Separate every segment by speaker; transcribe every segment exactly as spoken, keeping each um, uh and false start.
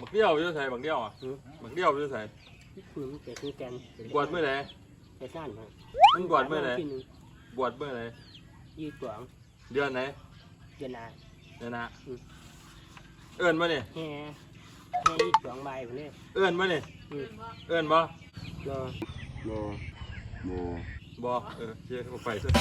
Speaker 1: บักเดี่ยวอยู่ใส่บักเดี่ยวอ่ะบักเดี่ยวอยู่ใส่
Speaker 2: คือมันเป็นแกน
Speaker 1: บวชเมื่อไหร่
Speaker 2: แต่สั้นครับ
Speaker 1: มันบวชเมื่อไหร่บวชเมื่อไหร่
Speaker 2: ยี่สิบสอง
Speaker 1: เดือนไหน
Speaker 2: เดือนหน้า
Speaker 1: เดือนหน้าเอิ้นมาเนี่ย
Speaker 2: แห่แห่ยี่สิบสองใบผมเนี่ย
Speaker 1: เอิ้นมาเนี่ยเอิ้นบ่
Speaker 2: รอ
Speaker 1: บ่บ่เออเชี่ยเขาไปซะ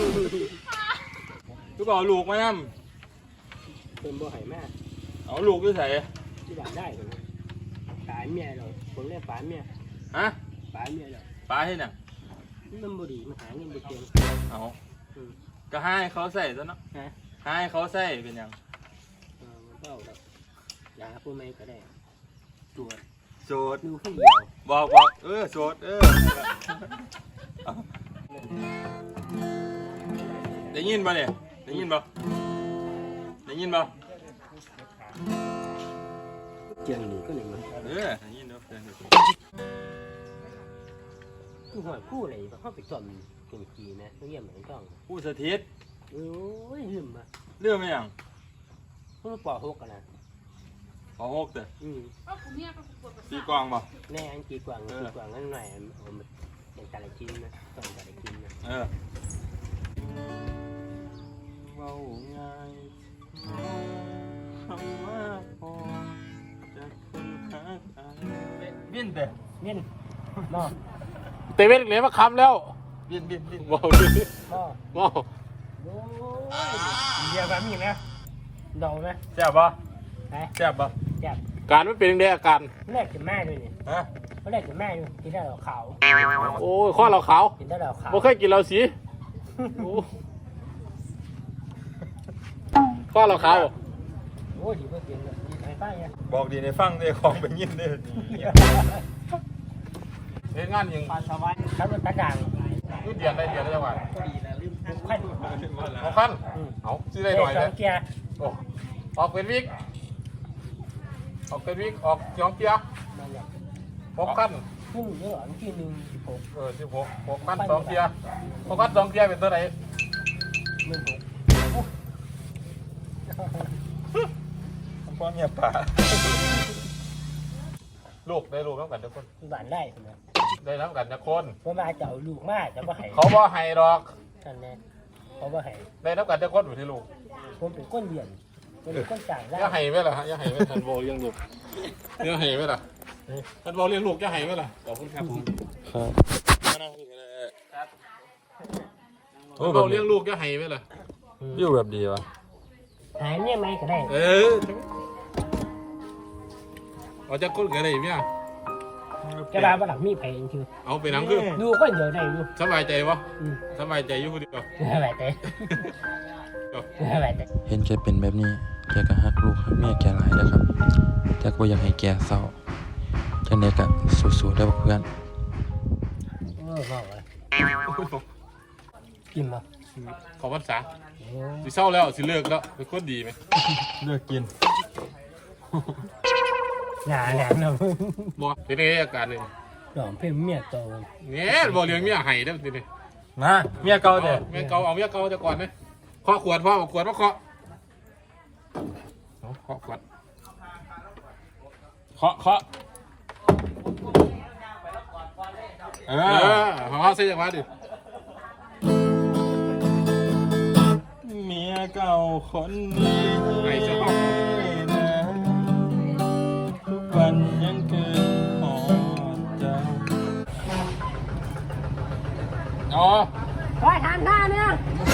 Speaker 1: คือบอกลูกมานํ
Speaker 2: เป็นบ่หายมาก
Speaker 1: เอาลูกอยู่ใส่
Speaker 2: ที่บ้านได้ผมตายเมียเราผมเรียกป๋าเมีย
Speaker 1: ฮะ
Speaker 2: ป๋าเมียเรา
Speaker 1: ปลาให้น่ะ
Speaker 2: มันบ่ดีมันหาเงินบ่เก่ง
Speaker 1: เอาก็ให้เขาใส่ซะเนาะ
Speaker 2: ฮะ
Speaker 1: ให้เขาใส่เป็นหยัง
Speaker 2: เออมันก็เอาแบบยาผู้ไม่ก็ได้ตรวจ
Speaker 1: โสด
Speaker 2: ดูผู้เดียว
Speaker 1: บอกบอกเออโสดเออได้ยินป่ะเนี่ยได้ยินป่ะได้ยินป่ะ
Speaker 2: เจียงนี่ก็หนึ่งมัน
Speaker 1: เออได้ยินเนาะ
Speaker 2: คือหอยคู่อะไรแบบเขาไปจอมเก่งกีนะต้องเยี่ยมเหมือนต้อง
Speaker 1: ผู้สถิต
Speaker 2: โอ้ยลืมอ่ะ
Speaker 1: เรื่องไม่ยัง
Speaker 2: เขาปอหกกันนะ
Speaker 1: ขอหกเด้อ
Speaker 2: อืม
Speaker 1: ตีกลองป่ะ
Speaker 2: แม่อันกีกวางกีกวางนั่นหน่อยเอามาเป็นการกินนะต้องการกินนะ
Speaker 1: เออเบาง่ายคำว่าพอจะคนหากันบินเด้อ
Speaker 2: เนี่ยนอ
Speaker 3: เตเว่นเหลือมาคำแล้ว
Speaker 1: บินบินบิน
Speaker 3: ว้าวดิ
Speaker 2: พ่อ
Speaker 3: ว้าว
Speaker 2: โอ้ยเดียวกันมีนะเดาไหม
Speaker 1: แซ่บป่ะ
Speaker 2: ไป
Speaker 1: แซ่บป่ะ
Speaker 2: จับ
Speaker 3: การไม่เป็นยังไงอาการ
Speaker 2: แรกกับแม่ด้วยเนี่ย
Speaker 1: ฮะ
Speaker 2: เขาแรกกับแม่ด้วยกินได้เหล่าขาว
Speaker 3: โอ้ยข้อเราขาว
Speaker 2: กินได้เหล่าขาว
Speaker 3: บ่เคยกินเราสีโอ้ข้อเราขาว
Speaker 2: โอ้ยดีเพื่อกินเลยดีไปป้าเนี่ย
Speaker 1: บอกดีในฟังเด้ของเป็นยินเด้อ เฮ็ดงานยัง
Speaker 2: ปลาสวายครับรถตะด่าง
Speaker 1: ยืดเดือนได้เดือนได้จังหวะ
Speaker 2: ขั้น
Speaker 1: เอาคันเอาซื้อได้หน่อย
Speaker 2: ส
Speaker 1: เล
Speaker 2: อย งเกียร์
Speaker 1: โอ้ออกเป็นวิกออกเป็นวิกออกสองเกียร์
Speaker 2: นั่นแหละ
Speaker 1: หกคัน
Speaker 2: ครึ่งเยอะอันที่หนึ่งสิบหก
Speaker 1: เออสิบหกหกคันสองเกียร์หกคันสองเกียร์เป็นตัวไหน
Speaker 2: หนึ่งหก
Speaker 1: พ่อเมียป่าลูกได้ลูกน้ำกันทุกคน
Speaker 2: ที่บ้านได้ใช่ไหม
Speaker 1: ได้น้ำกันทุกคน
Speaker 2: เพราะมาจะเอาลูกมาจะมาให้
Speaker 1: เขาบ่ให้ดอก
Speaker 2: นั่นแน่เขาบ่ให้
Speaker 1: ได้น้ำกันทุกคนอยู่ที่ลูก
Speaker 2: ผมเป็นก้นเรียนเป็นก้นจ่างได้
Speaker 1: อย่าให้ไหมล่ะฮะอย่าให้ไหมทันโบเลี้ยงลูกอย่าให้ไหมล่ะทันโบเลี้ยงลูกอย่าให้ไหมล่ะขอบคุณครับผม
Speaker 3: ครับ
Speaker 1: โอ้เราเลี้ยงลูกจะให้ไหมล่ะอยู่แบบดีวะ
Speaker 2: หายเนี่ยไหมก็ได้
Speaker 1: เออเอาจากคนกันได้ไหมอ่ะ
Speaker 2: กระดาษประดับมีแผงคือ
Speaker 1: เอาไปน้ำคือ
Speaker 2: ดูก็เดี๋ยวได้ดู
Speaker 1: สบายใจวะ
Speaker 2: อืม
Speaker 1: สบายใจอยู่คนเดียว
Speaker 2: อะไรแต่อะไรแต่
Speaker 4: เห็นแกเป็นแบบนี้ แกก็ฮักลูกฮักเมียแกหลายนะครับ แต่ก็อยากให้แกเศร้าจังไดก็สู้ๆได้อเพื่อน
Speaker 2: เออบอกว่ากินมา
Speaker 1: ขอพรรษาสิเศร้าแล้วสิเลิกแล้วเป็นคนดีไหมเลิกกิน
Speaker 2: หนาแหลมเนาะ
Speaker 1: บ่เป็นไงอาการเลย
Speaker 2: ดอกเพิ่มเมียโต
Speaker 1: เนี่ยบ่เลี้ยงเมียให้ได้ทีนี้
Speaker 3: นะเมียเก่าเด้อ
Speaker 1: เมียเก่าเอาเมียเก่าจะก่อนไหมเคาะขวดพ่อเอาขวดมาเคาะเอาเคาะขวดเคาะเคาะเออเขาเสียจังหวะดิ เมียเก่าคนนี้ไอ้เจ้านะทุกวันยังเกินหอดใจอ๋อ
Speaker 2: คอยทานท่าเนี่ย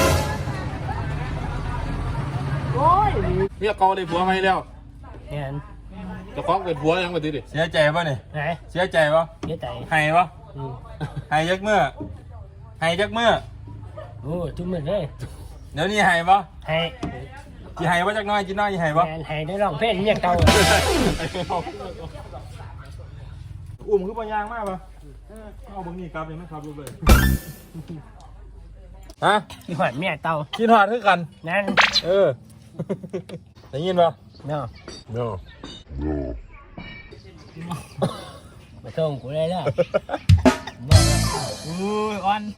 Speaker 2: โอ้ย
Speaker 1: เมียเก่าได้ผัวไหมแล้ว
Speaker 2: เห็น
Speaker 1: จะฟ้องเป็นผัวยังไงดิเสียใจป่ะนี่
Speaker 2: ไหน
Speaker 1: เสียใจป่ะ
Speaker 2: เสียใจ
Speaker 1: ให้ป่ะ
Speaker 2: อืม
Speaker 1: ให้ยักเมื่อให้ยักเมื่อ
Speaker 2: โอ้จุ่มเหมือนเลย
Speaker 1: เดี๋ยวนี้ให้ป่ะ
Speaker 2: ให้
Speaker 1: จีให้ป่ะจักน้อยจีน้อยจีให้ป่ะ
Speaker 2: แมนให้ได้ร้องเพลงเมียเก่า
Speaker 1: อุ้มคือปัญญางมากป่ะเอาบังนี่กลับยังไม่ขับรถเลยฮะ
Speaker 2: ที่หอดเมียเก่า
Speaker 1: กินหอดคือกัน
Speaker 2: นั่น
Speaker 1: เออ ได้ยินป่ะ
Speaker 2: เนาะ
Speaker 1: เนาะ
Speaker 2: มาส่งกูได้แล้ว
Speaker 1: อุ้ยอ่อน